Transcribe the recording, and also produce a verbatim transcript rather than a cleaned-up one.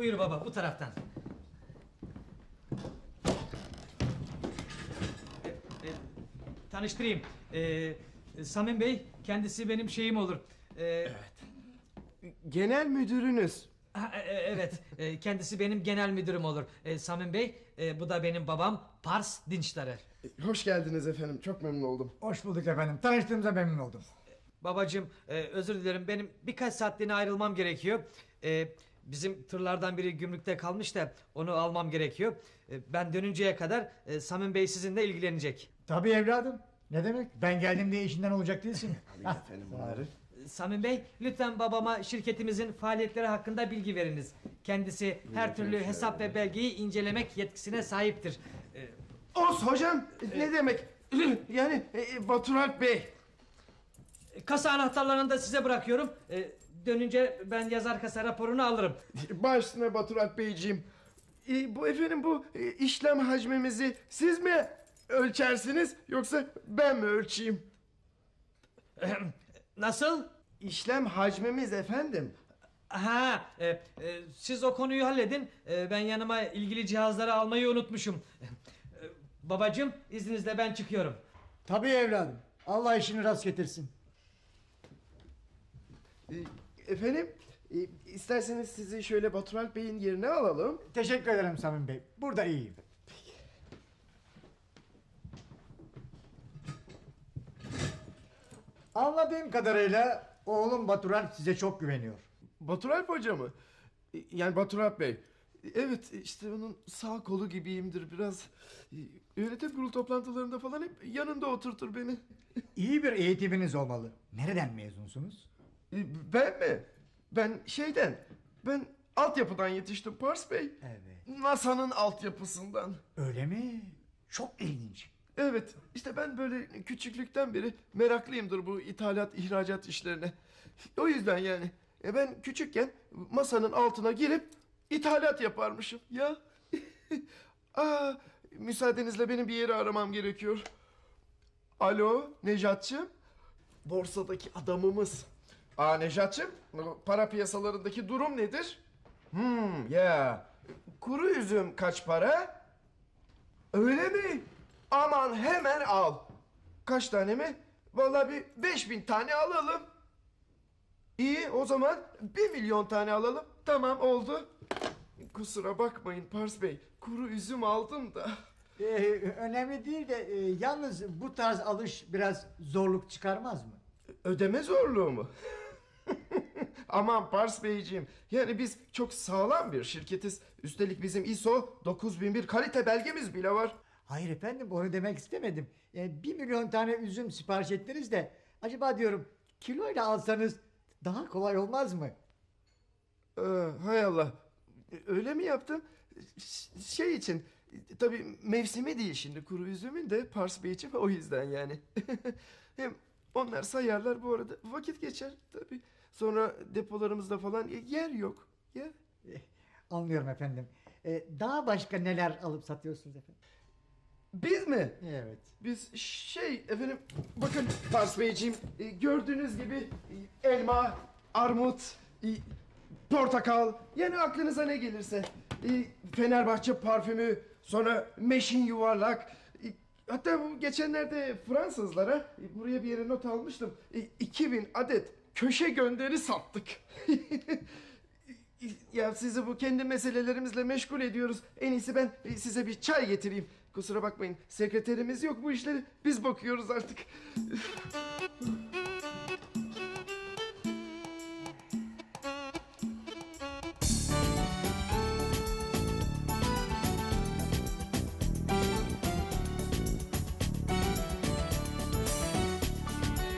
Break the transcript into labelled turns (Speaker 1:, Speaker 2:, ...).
Speaker 1: Buyur baba, bu taraftan. E, e, tanıştırayım. E, Samim Bey, kendisi benim şeyim olur. E,
Speaker 2: Genel müdürünüz.
Speaker 1: ha, e, evet, e, kendisi benim genel müdürüm olur. E, Samim Bey, e, bu da benim babam Pars Dinçtarer.
Speaker 2: Hoş geldiniz efendim. Çok memnun oldum.
Speaker 3: Hoş bulduk efendim. Tanıştığımıza memnun oldum.
Speaker 1: Babacığım, e, özür dilerim, benim birkaç saatliğine ayrılmam gerekiyor. E, bizim tırlardan biri gümrükte kalmış da onu almam gerekiyor. E, ben dönünceye kadar e, Samim Bey sizinle ilgilenecek.
Speaker 3: Tabii evladım. Ne demek? Ben geldim diye işinden olacak değilsin.
Speaker 2: Efendim bunları.
Speaker 1: Samim Bey, lütfen babama şirketimizin faaliyetleri hakkında bilgi veriniz. Kendisi her türlü hesap ve belgeyi incelemek yetkisine sahiptir. Ee,
Speaker 2: Os hocam. Ne demek? Yani e, Batur Alp Bey.
Speaker 1: kasa anahtarlarını da size bırakıyorum. Ee, dönünce ben yazar kasa raporunu alırım.
Speaker 2: Baş üstüne Batur Alp Beyciğim. E, bu efendim bu e, işlem hacmimizi siz mi ölçersiniz yoksa ben mi ölçeyim?
Speaker 1: Nasıl?
Speaker 2: İşlem hacmimiz efendim.
Speaker 1: Ha, e, e, siz o konuyu halledin. E, ben yanıma ilgili cihazları almayı unutmuşum. E, babacığım, izninizle ben çıkıyorum.
Speaker 3: Tabii evladım. Allah işini rast getirsin.
Speaker 2: E, efendim e, isterseniz sizi şöyle Batur Alp Bey'in yerine alalım.
Speaker 3: Teşekkür ederim Samim Bey. Burada iyiyim. Anladığım kadarıyla oğlum Baturan size çok güveniyor.
Speaker 2: Batur Alp Hoca mı? E, Yani Batur Alp Bey. E, Evet işte onun sağ kolu gibiyimdir biraz. E, Yönetim kurulu toplantılarında falan hep yanında oturtur beni.
Speaker 3: İyi bir eğitiminiz olmalı. Nereden mezunsunuz?
Speaker 2: E, Ben mi? Ben şeyden. Ben altyapıdan yetiştim Pars Bey.
Speaker 3: Evet.
Speaker 2: NASA'nın altyapısından.
Speaker 3: Öyle mi? Çok ilginç.
Speaker 2: Evet işte ben böyle küçüklükten beri meraklıyımdır bu ithalat ihracat işlerine. O yüzden yani. E ben küçükken masanın altına girip ithalat yaparmışım ya. Aa, müsaadenizle benim bir yeri aramam gerekiyor. Alo Nejatçığım. Borsadaki adamımız. Aa Nejatçığım, para piyasalarındaki durum nedir? Hmm ya. Kuru üzüm kaç para? Öyle mi? Aman hemen al. Kaç tane mi? Vallahi bir beş bin tane alalım. İyi o zaman bir milyon tane alalım. Tamam oldu. Kusura bakmayın Pars Bey. Kuru üzüm aldım da.
Speaker 3: Ee, önemli değil de e, yalnız bu tarz alış biraz zorluk çıkarmaz mı?
Speaker 2: Ödeme zorluğu mu? Aman Pars Beyciğim. Yani biz çok sağlam bir şirketiz. Üstelik bizim I S O dokuz bin bir kalite belgemiz bile var.
Speaker 3: Hayır efendim onu demek istemedim. Yani bir milyon tane üzüm sipariş ettiniz de acaba diyorum kiloyla alsanız daha kolay olmaz mı?
Speaker 2: Ee, hay Allah. Öyle mi yaptım? Ş- Şey için tabii mevsimi değil şimdi kuru üzümün de Pars Bey için o yüzden yani. Hem onlar sayarlar bu arada vakit geçer tabii. Sonra depolarımızda falan yer yok. Ya.
Speaker 3: Eh, Anlıyorum efendim. Ee, daha başka neler alıp satıyorsunuz efendim?
Speaker 2: Biz mi?
Speaker 3: Evet.
Speaker 2: Biz şey efendim bakın Pars Beyciğim e, gördüğünüz gibi e, elma, armut, e, portakal yani aklınıza ne gelirse. E, Fenerbahçe parfümü, sonra meşin yuvarlak. e, Hatta bu geçenlerde Fransızlara e, buraya bir yere not almıştım. E, iki bin adet köşe gönderi sattık. Ya sizi bu kendi meselelerimizle meşgul ediyoruz. En iyisi ben e, size bir çay getireyim. Kusura bakmayın sekreterimiz yok bu işleri biz bakıyoruz artık.